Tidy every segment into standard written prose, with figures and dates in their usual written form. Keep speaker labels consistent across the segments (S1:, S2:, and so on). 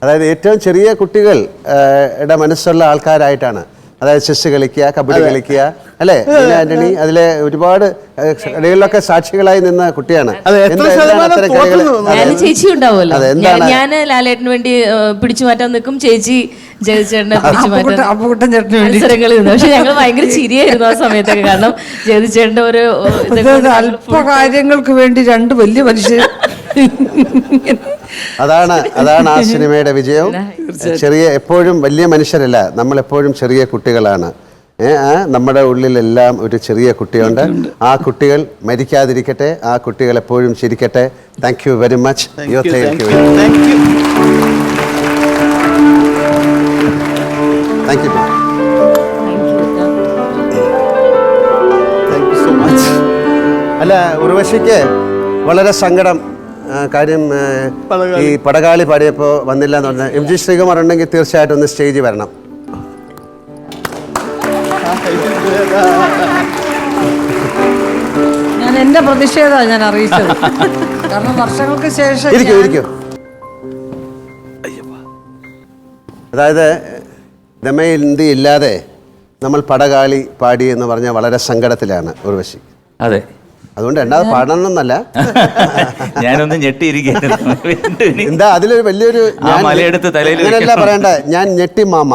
S1: അതായത് ഏറ്റവും ചെറിയ കുട്ടികളുടെ മനസ്സുള്ള ആൾക്കാരായിട്ടാണ്. അതായത് ചെസ് കളിക്കുക, കബഡി കളിക്കുക, അല്ലേ ആന്റണി? അതിലെ ഒരുപാട് കളികളിലൊക്കെ സാക്ഷികളായി നിന്ന കുട്ടിയാണ്.
S2: ചേച്ചി ഉണ്ടാവുമല്ലോ, ഞാൻ ലാലേട്ടന് വേണ്ടി പിടിച്ചു മാറ്റാൻ നിൽക്കും, ചേച്ചി ജയതിച്ചേട്ടനെ പിടിച്ചു മാറ്റാൻ മത്സരങ്ങളിൽ നിന്ന്. പക്ഷെ ഞങ്ങൾ ഭയങ്കര ചിരിയായിരുന്നു ആ സമയത്തൊക്കെ. കാരണം ജയതിച്ചേട്ടന്റെ ഒരു
S3: അല്പ കാര്യങ്ങൾക്ക് വേണ്ടി രണ്ട് വലിയ മനുഷ്യർ.
S1: അതാണ് ആ സിനിമയുടെ വിജയം. എപ്പോഴും വലിയ മനുഷ്യരല്ല, നമ്മളെപ്പോഴും ചെറിയ കുട്ടികളാണ്. നമ്മുടെ ഉള്ളിലെല്ലാം ഒരു ചെറിയ കുട്ടിയുണ്ട്. ആ കുട്ടികൾ മരിക്കാതിരിക്കട്ടെ, ആ കുട്ടികൾ എപ്പോഴും ചിരിക്കട്ടെ. Thank you very much. Thank you. അല്ല, ഉർവശിക്ക് വളരെ സങ്കടം. കാര്യം ഈ പടകാളി പാടിയപ്പോൾ വന്നില്ല എന്ന് പറഞ്ഞാൽ MG ശ്രീകുമാർ ഉണ്ടെങ്കിൽ തീർച്ചയായിട്ടും ഒന്ന് സ്റ്റേജിൽ വരണം.
S3: ഞാൻ എന്റെ പ്രതിഷേധമാണ് ഞാൻ അറിയിച്ചത്. കാരണം വർഷങ്ങൾക്ക് ശേഷം
S1: ഇരിക്കൂ. അതായത് ദമയന്തി ഇല്ലാതെ നമ്മൾ പടകാളി പാടി എന്ന് പറഞ്ഞാൽ വളരെ സങ്കടത്തിലാണ് ഉർവശി.
S4: അതെ,
S1: അതുകൊണ്ട് രണ്ടാമത് പാടണമെന്നല്ല,
S4: ഞാനൊന്ന് ഞെട്ടിയിരിക്കുന്നു.
S1: എന്താ അതിലൊരു വലിയൊരു അങ്ങനെയല്ല പറയണ്ട, ഞാൻ ഞെട്ടി മാമ.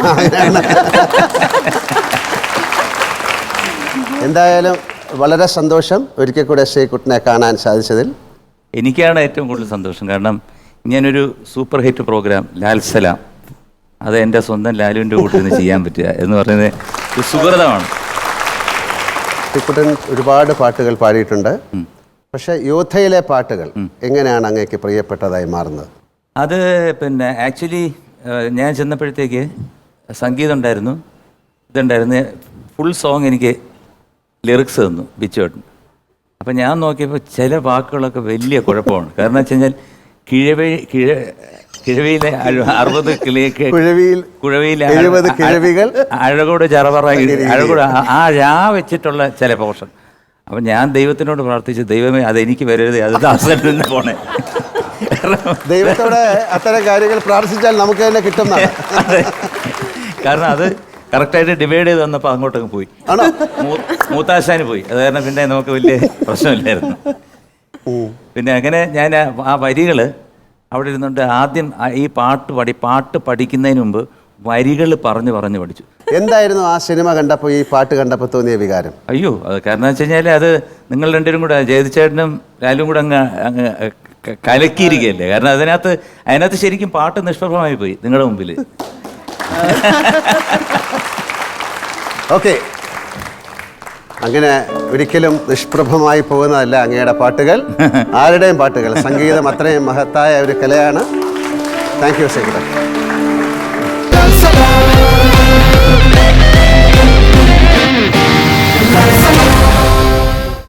S1: എന്തായാലും വളരെ സന്തോഷം ഒരിക്കൽ കൂടെ ശ്രീകുട്ടനെ കാണാൻ സാധിച്ചതിൽ.
S4: എനിക്കാണ് ഏറ്റവും കൂടുതൽ സന്തോഷം. കാരണം ഞാനൊരു super hit programme Lal Salam, അത് എൻ്റെ സ്വന്തം ലാലുവിൻ്റെ കൂട്ടിൽ നിന്ന് ചെയ്യാൻ പറ്റുക എന്ന് പറയുന്നത് ഒരു സുഹൃതമാണ്.
S1: ശ്രീകുട്ടൻ ഒരുപാട് പാട്ടുകൾ പാടിയിട്ടുണ്ട്. പക്ഷെ യോദ്ധയിലെ പാട്ടുകൾ എങ്ങനെയാണ് അങ്ങേക്ക് പ്രിയപ്പെട്ടതായി മാറുന്നത്?
S4: അത് പിന്നെ ആക്ച്വലി ഞാൻ ചെന്നപ്പോഴത്തേക്ക് സംഗീതം ഉണ്ടായിരുന്നു, ഇതുണ്ടായിരുന്നു, ഫുൾ സോങ് എനിക്ക് ലിറിക്സ് തന്നു ബിച്ചുവേട്ടൻ. അപ്പം ഞാൻ നോക്കിയപ്പോൾ ചില വാക്കുകളൊക്കെ വലിയ കുഴപ്പമാണ്. കാരണം വെച്ച് കഴിഞ്ഞാൽ കിഴവിയിലെ 60 കുഴവിയിലെ
S1: 70 കിഴവികൾ,
S4: അഴകോട് ചറവറ, അഴകോട് ആ രാ വെച്ചിട്ടുള്ള ചില പോർഷൻ. അപ്പം ഞാൻ ദൈവത്തിനോട് പ്രാർത്ഥിച്ചു, ദൈവമേ അതെനിക്ക് വരരുത്, അത് ദാസനിൽ നിന്ന് പോണേ.
S1: ദൈവത്തോടെ അത്തരം കാര്യങ്ങൾ പ്രാർത്ഥിച്ചാൽ നമുക്ക് തന്നെ കിട്ടുന്ന.
S4: കാരണം അത് കറക്റ്റായിട്ട് ഡിവൈഡ് ചെയ്ത് വന്നപ്പോൾ അങ്ങോട്ടങ്ങ് പോയി, മൂത്താശാന് പോയി. അത് കാരണം പിന്നെ നമുക്ക് വലിയ പ്രശ്നമില്ലായിരുന്നു. പിന്നെ അങ്ങനെ ഞാൻ ആ വരികൾ അവിടെ ഇരുന്നുകൊണ്ട് ആദ്യം ഈ പാട്ട് പഠിക്കുന്നതിന് മുമ്പ് വരികൾ പറഞ്ഞു പഠിച്ചു.
S1: എന്തായിരുന്നു ആ സിനിമ കണ്ടപ്പോൾ, ഈ പാട്ട് കണ്ടപ്പോൾ തോന്നിയ വികാരം?
S4: അയ്യോ, അത് കാരണം വെച്ച് കഴിഞ്ഞാൽ അത് നിങ്ങൾ രണ്ടുപേരും കൂടെ, ജയതിച്ചേട്ടനും ലാലും കൂടെ അങ്ങ് കലക്കിയിരിക്കുകയല്ലേ. കാരണം അതിനകത്ത് ശരിക്കും പാട്ട് നിഷ്പ്രഭമായി പോയി നിങ്ങളുടെ മുമ്പിൽ.
S1: ഓക്കെ, അങ്ങനെ ഒരിക്കലും നിഷ്പ്രഭമായി പോകുന്നതല്ല അങ്ങയുടെ പാട്ടുകൾ, ആരുടെയും പാട്ടുകൾ. സംഗീതം അത്രയും മഹത്തായ ഒരു കലയാണ്. Thank you Sreekuttan.